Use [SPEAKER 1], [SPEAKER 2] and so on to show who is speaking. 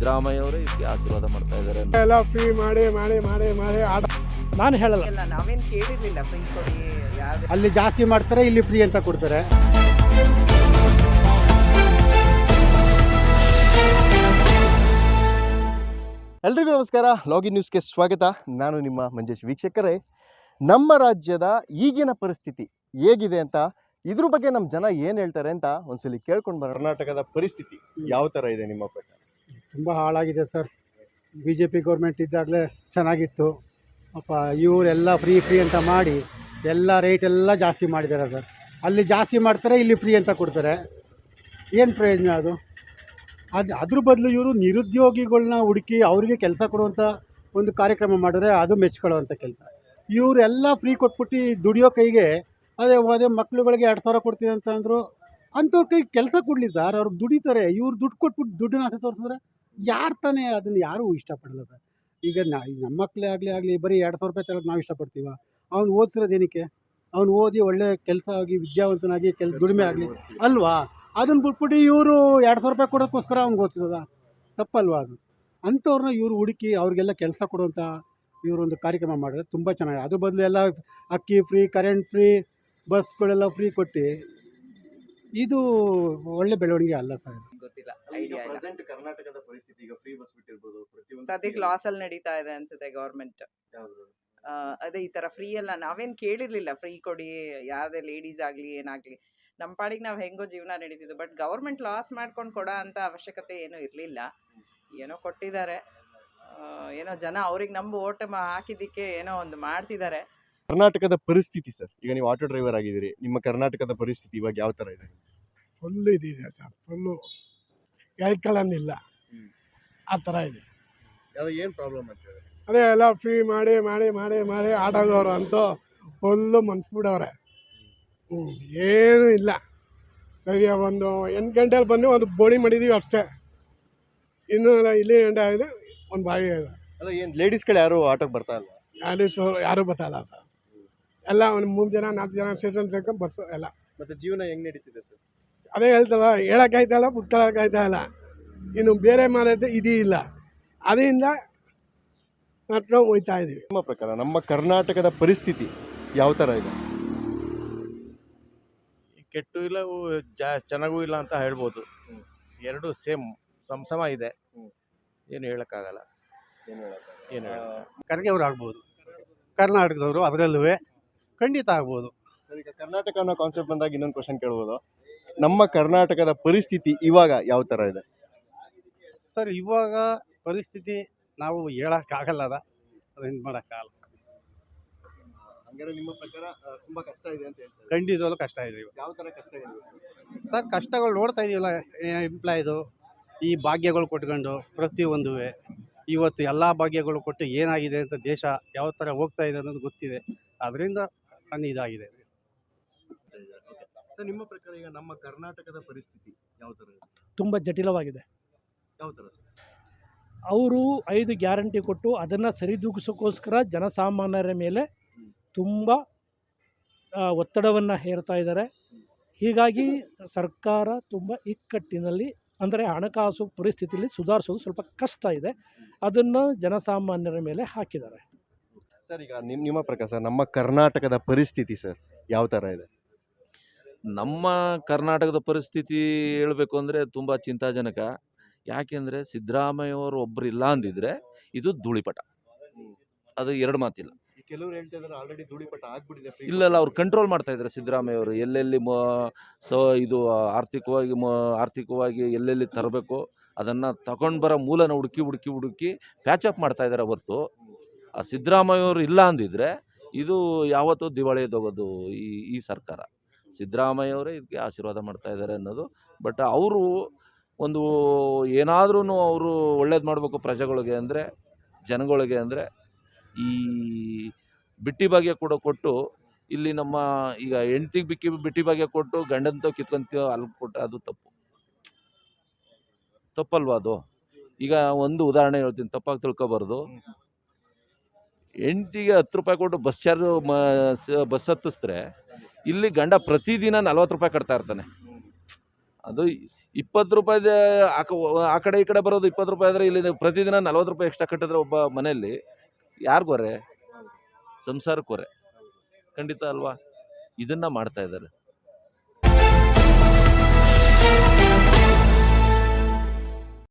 [SPEAKER 1] ಸಿದ್ದರಾಮಯ್ಯ ಅವರೇ ಇದಕ್ಕೆ ಆಶೀರ್ವಾದ ಮಾಡ್ತಾ ಇದ್ದಾರೆ.
[SPEAKER 2] ಎಲ್ಲ ಫ್ರೀ ಮಾಡಿ ಮಾಡಿ ಮಾಡಿ ಮಾಡಿ ಆಟ
[SPEAKER 3] ನಾನು ಹೇಳಲ್ಲ,
[SPEAKER 4] ಇಲ್ಲ ನಾವೇನು ಕೇಳಿರ್ಲಿಲ್ಲ ಫ್ರೀ ಕೊಡಿ ಯಾವ್ದು.
[SPEAKER 5] ಅಲ್ಲಿ ಜಾಸ್ತಿ ಮಾಡ್ತಾರೆ, ಇಲ್ಲಿ ಫ್ರೀ ಅಂತ ಕೊಡ್ತಾರೆ.
[SPEAKER 6] ಎಲ್ರಿಗೂ ನಮಸ್ಕಾರ. ಲಾಗಿನ್ ನ್ಯೂಸ್ಗೆ ಸ್ವಾಗತ. ನಾನು ನಿಮ್ಮ ಮಂಜೇಶ್. ವೀಕ್ಷಕರೇ, ನಮ್ಮ ರಾಜ್ಯದ ಈಗಿನ ಪರಿಸ್ಥಿತಿ ಹೇಗಿದೆ ಅಂತ, ಇದ್ರ ಬಗ್ಗೆ ನಮ್ಮ ಜನ ಏನು ಹೇಳ್ತಾರೆ ಅಂತ ಒಂದ್ಸಲಿ ಕೇಳ್ಕೊಂಡು ಬರೋಣ. ಕರ್ನಾಟಕದ ಪರಿಸ್ಥಿತಿ ಯಾವ ಥರ ಇದೆ ನಿಮ್ಮ ಪ್ರಕಾರ?
[SPEAKER 5] ತುಂಬ ಹಾಳಾಗಿದೆ sir. B J P government ಇದ್ದಾಗಲೇ ಚೆನ್ನಾಗಿತ್ತು. ಅಪ್ಪ ಇವರೆಲ್ಲ ಫ್ರೀ ಫ್ರೀ ಅಂತ ಮಾಡಿ ಎಲ್ಲ ರೇಟ್ ಎಲ್ಲ ಜಾಸ್ತಿ ಮಾಡಿದ್ದಾರೆ ಸರ್. ಅಲ್ಲಿ ಜಾಸ್ತಿ ಮಾಡ್ತಾರೆ, ಇಲ್ಲಿ ಫ್ರೀ ಅಂತ ಕೊಡ್ತಾರೆ. ಏನು ಪ್ರಯೋಜನ ಅದು? ಅದ್ರ ಬದಲು ಇವರು ನಿರುದ್ಯೋಗಿಗಳನ್ನ ಹುಡುಕಿ ಅವರಿಗೆ ಕೆಲಸ ಕೊಡುವಂಥ ಒಂದು ಕಾರ್ಯಕ್ರಮ ಮಾಡಿದ್ರೆ ಅದು ಮೆಚ್ಕೊಳ್ಳುವಂಥ ಕೆಲಸ. ಇವರೆಲ್ಲ ಫ್ರೀ ಕೊಟ್ಬಿಟ್ಟು ದುಡಿಯೋ ಕೈಗೆ ಅದೇ ಮಕ್ಳುಗಳಿಗೆ 2,000 ಕೊಡ್ತೀನಿ ಅಂತ ಅಂದರು. ಅಂಥವ್ರ ಕೈಗೆ ಕೆಲಸ ಕೊಡಲಿ ಸರ್, ಅವ್ರು ದುಡಿತಾರೆ. ಇವ್ರು ದುಡ್ಡು ಕೊಟ್ಬಿಟ್ಟು ದುಡ್ಡನ್ನ ಆಸೆ ತೋರಿಸಿದ್ರೆ ಯಾರು ತಾನೇ ಅದನ್ನು ಯಾರೂ ಇಷ್ಟಪಡಲ್ಲ ಸರ್. ಈಗ ನಮ್ಮ ಮಕ್ಕಳೇ ಆಗಲಿ ಬರೀ 2,000 ರೂಪಾಯಿ ತಗೊಳ್ಳೋಕೆ ನಾವು ಇಷ್ಟಪಡ್ತೀವ? ಅವ್ನು ಓದಿಸಿರೋದೇನಕ್ಕೆ? ಅವ್ನು ಓದಿ ಒಳ್ಳೆ ಕೆಲಸ ಆಗಿ ವಿದ್ಯಾವಂತನಾಗಿ ದುಡಿಮೆ ಆಗಲಿ ಅಲ್ವಾ? ಅದನ್ನು ಬಿಟ್ಬಿಟ್ಟು ಇವರು 2,000 ರೂಪಾಯಿ ಕೊಡೋಕ್ಕೋಸ್ಕರ ಅವ್ನಿಗೆ ಓದಿಸಿರೋದ? ತಪ್ಪಲ್ವಾ ಅದು? ಅಂಥವ್ರನ್ನ ಇವರು ಹುಡುಕಿ ಅವ್ರಿಗೆಲ್ಲ ಕೆಲಸ ಕೊಡುವಂಥ ಇವರೊಂದು ಕಾರ್ಯಕ್ರಮ ಮಾಡಿದ್ರೆ ತುಂಬ ಚೆನ್ನಾಗಿದೆ. ಅದ್ರ ಬದಲು ಎಲ್ಲ ಅಕ್ಕಿ ಫ್ರೀ, ಕರೆಂಟ್ ಫ್ರೀ, ಬಸ್ಗಳೆಲ್ಲ ಫ್ರೀ ಕೊಟ್ಟು ಇದು ಒಳ್ಳೆ ಬೆಳವಣಿಗೆ ಅಲ್ಲ ಸರ್.
[SPEAKER 4] ಗೊತ್ತಿಲ್ಲ, ಐಡಿಯಾ ಇಲ್ಲ.
[SPEAKER 6] ಪ್ರೆಸೆಂಟ್ ಕರ್ನಾಟಕದ ಪರಿಸ್ಥಿತಿ ಈಗ ಫ್ರೀ ಬಸ್ ಬಿಟ್ಟಿರ್ಬೋದು,
[SPEAKER 4] ಸದ್ಯಕ್ಕೆ ಲಾಸ್ ಅಲ್ಲಿ ನಡೀತಾ ಇದೆ ಅನ್ಸುತ್ತೆ ಗೌರ್ಮೆಂಟ್. ಅದೇ ಈ ತರ ಫ್ರೀ ಎಲ್ಲ ನಾವೇನ್ ಕೇಳಿರ್ಲಿಲ್ಲ, ಫ್ರೀ ಕೊಡಿ ಯಾವ್ದೇ ಲೇಡೀಸ್ ಆಗ್ಲಿ ಏನಾಗ್ಲಿ, ನಮ್ಮ ಪಾಡಿಗೆ ನಾವು ಹೆಂಗೋ ಜೀವನ ನಡೀತಿದ್ವು. ಬಟ್ ಗೌರ್ಮೆಂಟ್ ಲಾಸ್ ಮಾಡ್ಕೊಂಡು ಕೊಡೋ ಅಂತ ಅವಶ್ಯಕತೆ ಏನೂ ಇರಲಿಲ್ಲ. ಏನೋ ಕೊಟ್ಟಿದ್ದಾರೆ, ಏನೋ ಜನ ಅವ್ರಿಗೆ ನಂಬು ಓಟ್ ಹಾಕಿದ್ದಕ್ಕೆ ಏನೋ ಒಂದು ಮಾಡ್ತಿದ್ದಾರೆ.
[SPEAKER 6] ಕರ್ನಾಟಕದ ಪರಿಸ್ಥಿತಿ ಸರ್, ಈಗ ನೀವು ಆಟೋ ಡ್ರೈವರ್ ಆಗಿದ್ದೀರಿ, ನಿಮ್ಮ ಕರ್ನಾಟಕದ ಪರಿಸ್ಥಿತಿ ಇವಾಗ ಯಾವ ಥರ ಇದೆ?
[SPEAKER 2] ಫುಲ್ ಇದಿದೆ ಸರ್, ಫುಲ್ಲು ಕೈಕೊಳ್ಳೋದಿಲ್ಲ ಆ ಥರ ಇದೆ.
[SPEAKER 6] ಏನು ಪ್ರಾಬ್ಲಮ್ ಅಂತ ಹೇಳಿ?
[SPEAKER 2] ಅದೇ ಎಲ್ಲ ಫ್ರೀ ಮಾಡಿ ಮಾಡಿ ಮಾಡಿ ಮಾಡಿ ಆಟೋದವರು ಅಂತೂ ಫುಲ್ಲು ಮನ್ಸ್ಬಿಡವ್ರೆ. ಏನೂ ಇಲ್ಲ. ಸರಿಯ ಒಂದು 8 ಗಂಟೆಲಿ ಬಂದು ಒಂದು ಬೋಣಿ ಮಾಡಿದ್ದೀವಿ ಅಷ್ಟೇ. ಇನ್ನೂ ಇಲ್ಲಿ ಗಂಟೆ ಆಗಿದೆ, ಒಂದು ಬಾವಿ ಇದೆ.
[SPEAKER 6] ಅಲ್ಲ, ಏನು ಲೇಡೀಸ್ಗಳು ಯಾರು ಆಟೋಗೆ ಬರ್ತಾ ಇಲ್ವಾ?
[SPEAKER 2] ಯಾರೂ ಬರ್ತಾಯಿಲ್ಲ ಸರ್. ಎಲ್ಲ ಒಂದು 3 ಜನ 4 ಜನ ಸೇರ್ಕೊಂಡು ಬಸ್ಸು ಎಲ್ಲ.
[SPEAKER 6] ಮತ್ತು ಜೀವನ ಹೆಂಗೆ ನಡೀತಿದೆ ಸರ್?
[SPEAKER 2] ಅದೇ ಹೇಳ್ತಲ್ಲ, ಹೇಳೋಕ್ಕಾಯ್ತಲ್ಲ, ಬಿಟ್ಕೊಳ್ಳೋಕ್ಕಾಯ್ತಾಯಿಲ್ಲ. ಇನ್ನು ಬೇರೆ ಮಾಡೋದು ಇದೂ ಇಲ್ಲ, ಅದರಿಂದ ನಡ್ಕೊಂಡು ಹೋಗ್ತಾ ಇದ್ದೀವಿ.
[SPEAKER 6] ನಿಮ್ಮ ಪ್ರಕಾರ ನಮ್ಮ ಕರ್ನಾಟಕದ ಪರಿಸ್ಥಿತಿ ಯಾವ ಥರ ಇದೆ?
[SPEAKER 7] ಕೆಟ್ಟು ಇಲ್ಲ, ಚೆನ್ನಾಗೂ ಇಲ್ಲ ಅಂತ ಹೇಳ್ಬೋದು. ಎರಡು ಸೇಮ್ ಸಮ ಇದೆ. ಏನು ಹೇಳೋಕ್ಕಾಗಲ್ಲ. ಏನು
[SPEAKER 5] ಖರ್ಗೆ ಅವ್ರು ಆಗ್ಬೋದು, ಕರ್ನಾಟಕದವರು ಅದರಲ್ಲೂ ಖಂಡಿತ ಆಗ್ಬೋದು
[SPEAKER 6] ಸರ್. ಈಗ ಕರ್ನಾಟಕ ಅನ್ನೋ ಕಾನ್ಸೆಪ್ಟ್ ಬಂದಾಗ ಇನ್ನೊಂದು ಕ್ವಶನ್ ಕೇಳ್ಬೋದು. ನಮ್ಮ ಕರ್ನಾಟಕದ ಪರಿಸ್ಥಿತಿ ಇವಾಗ ಯಾವ ಥರ ಇದೆ
[SPEAKER 5] ಸರ್? ಇವಾಗ ಪರಿಸ್ಥಿತಿ ನಾವು ಹೇಳೋಕ್ಕಾಗಲ್ಲ, ಅದು ಏನು ಮಾಡೋಕ್ಕಾಗಲ್ಲ.
[SPEAKER 6] ಹಂಗಾರೆ ನಿಮ್ಮ ಪ್ರಕಾರ ತುಂಬಾ ಕಷ್ಟ ಇದೆ ಅಂತ ಹೇಳ್ತಾರೆ?
[SPEAKER 5] ಖಂಡಿತವಾಗ್ಲೂ ಕಷ್ಟ ಇದೆ.
[SPEAKER 6] ಯಾವ ಥರ ಕಷ್ಟಗಳಿವೆ
[SPEAKER 5] ಸರ್ ಕಷ್ಟಗಳು ನೋಡ್ತಾ ಇದೀವಲ್ಲ, ಎಂಪ್ಲಾಯ್ದು ಈ ಭಾಗ್ಯಗಳು ಕೊಟ್ಕೊಂಡು ಪ್ರತಿಯೊಂದು ಇವತ್ತು ಎಲ್ಲ ಭಾಗ್ಯಗಳು ಕೊಟ್ಟು ಏನಾಗಿದೆ ಅಂತ ದೇಶ ಯಾವ ಥರ ಹೋಗ್ತಾ ಇದೆ ಅನ್ನೋದು ಗೊತ್ತಿದೆ. ಅದರಿಂದ ನನ್ನ ಇದಾಗಿದೆ.
[SPEAKER 6] ಸರ್, ನಿಮ್ಮ ಪ್ರಕಾರ ಈಗ ನಮ್ಮ ಕರ್ನಾಟಕದ ಪರಿಸ್ಥಿತಿ ಯಾವ ಥರ ಇದೆ?
[SPEAKER 3] ತುಂಬ ಜಟಿಲವಾಗಿದೆ.
[SPEAKER 6] ಯಾವ ಥರ ಸರ್?
[SPEAKER 3] ಅವರು 5 ಗ್ಯಾರಂಟಿ ಕೊಟ್ಟು ಅದನ್ನು ಸರಿದೂಗಿಸೋಕ್ಕೋಸ್ಕರ ಜನಸಾಮಾನ್ಯರ ಮೇಲೆ ತುಂಬ ಒತ್ತಡವನ್ನು ಹೇರ್ತಾ ಇದ್ದಾರೆ. ಹೀಗಾಗಿ ಸರ್ಕಾರ ತುಂಬ ಇಕ್ಕಟ್ಟಿನಲ್ಲಿ, ಅಂದರೆ ಹಣಕಾಸು ಪರಿಸ್ಥಿತಿಯಲ್ಲಿ ಸುಧಾರಿಸೋದು ಸ್ವಲ್ಪ ಕಷ್ಟ ಇದೆ. ಅದನ್ನು ಜನಸಾಮಾನ್ಯರ ಮೇಲೆ ಹಾಕಿದ್ದಾರೆ.
[SPEAKER 6] ಸರ್, ಈಗ ನಿಮ್ಮ ಪ್ರಕಾರ ಸರ್, ನಮ್ಮ ಕರ್ನಾಟಕದ ಪರಿಸ್ಥಿತಿ ಸರ್ ಯಾವ ಥರ ಇದೆ?
[SPEAKER 1] ನಮ್ಮ ಕರ್ನಾಟಕದ ಪರಿಸ್ಥಿತಿ ಹೇಳಬೇಕು ಅಂದರೆ ತುಂಬ ಚಿಂತಾಜನಕ. ಯಾಕೆಂದರೆ ಸಿದ್ದರಾಮಯ್ಯವರು ಒಬ್ಬರು ಇಲ್ಲ ಅಂದಿದ್ರೆ ಇದು ಧೂಳಿಪಟ, ಅದು 2 ಮಾತಿಲ್ಲ.
[SPEAKER 6] ಕೆಲವರು ಹೇಳ್ತಾ ಇದ್ದಾರೆ ಆಲ್ರೆಡಿ ಧೂಳಿಪಟ ಆಗ್ಬಿಟ್ಟಿದೆ.
[SPEAKER 1] ಇಲ್ಲ, ಅವ್ರು ಕಂಟ್ರೋಲ್ ಮಾಡ್ತಾ ಇದ್ದಾರೆ ಸಿದ್ದರಾಮಯ್ಯವರು. ಎಲ್ಲೆಲ್ಲಿ ಇದು ಆರ್ಥಿಕವಾಗಿ ಎಲ್ಲೆಲ್ಲಿ ತರಬೇಕು ಅದನ್ನು ತಗೊಂಡು ಬರೋ ಮೂಲನ ಹುಡುಕಿ ಪ್ಯಾಚಪ್ ಮಾಡ್ತಾ ಇದ್ದಾರೆ ಹೊರತು ಆ ಸಿದ್ದರಾಮಯ್ಯವರು ಇಲ್ಲ ಅಂದಿದ್ರೆ ಇದು ಯಾವತ್ತೂ ದಿವಾಳಿಯದೋಗೋದು ಈ ಸರ್ಕಾರ. ಸಿದ್ದರಾಮಯ್ಯವರೇ ಇದಕ್ಕೆ ಆಶೀರ್ವಾದ ಮಾಡ್ತಾ ಇದ್ದಾರೆ ಅನ್ನೋದು. ಬಟ್ ಅವರು ಒಂದು ಏನಾದ್ರೂ ಅವರು ಒಳ್ಳೇದು ಮಾಡಬೇಕು ಪ್ರಜೆಗಳಿಗೆ ಅಂದರೆ, ಜನಗಳಿಗೆ ಅಂದರೆ, ಈ ಬಿಟ್ಟಿ ಭಾಗ್ಯ ಕೂಡ ಕೊಟ್ಟು ಇಲ್ಲಿ ನಮ್ಮ ಈಗ ಹೆಂಡ್ತಿಗೆ ಬಿಟ್ಟಿ ಭಾಗ್ಯ ಕೊಟ್ಟು ಗಂಡಂತ ಕಿತ್ಕೊಂತೀವೋ ಅಲ್ಲಿ ಕೊಟ್ಟು ಅದು ತಪ್ಪಲ್ವಾ ಅದು? ಈಗ ಒಂದು ಉದಾಹರಣೆ ಹೇಳ್ತೀನಿ, ತಪ್ಪಾಗಿ ತಿಳ್ಕೊಬಾರ್ದು. ಹೆಂಡ್ತಿಗೆ 10 ರೂಪಾಯಿ ಕೊಟ್ಟು ಬಸ್ ಹತ್ತಿಸಿದ್ರೆ ಇಲ್ಲಿ ಗಂಡ ಪ್ರತಿದಿನ 40 ರೂಪಾಯಿ ಕಟ್ತಾ ಇರ್ತಾನೆ. ಅದು 20 ರೂಪಾಯಿದ ಆ ಕಡೆ ಈ ಕಡೆ ಬರೋದು 20 ರೂಪಾಯಿ ಆದರೆ ಇಲ್ಲಿ ಪ್ರತಿದಿನ 40 ರೂಪಾಯಿ ಎಕ್ಸ್ಟ್ರಾ ಕಟ್ಟಿದ್ರೆ ಒಬ್ಬ ಮನೆಯಲ್ಲಿ ಯಾರಿಗೊರೆ? ಸಂಸಾರಕ್ಕೆ ಹೊರೆ. ಖಂಡಿತ ಅಲ್ವಾ? ಇದನ್ನು ಮಾಡ್ತಾ ಇದ್ದಾರೆ.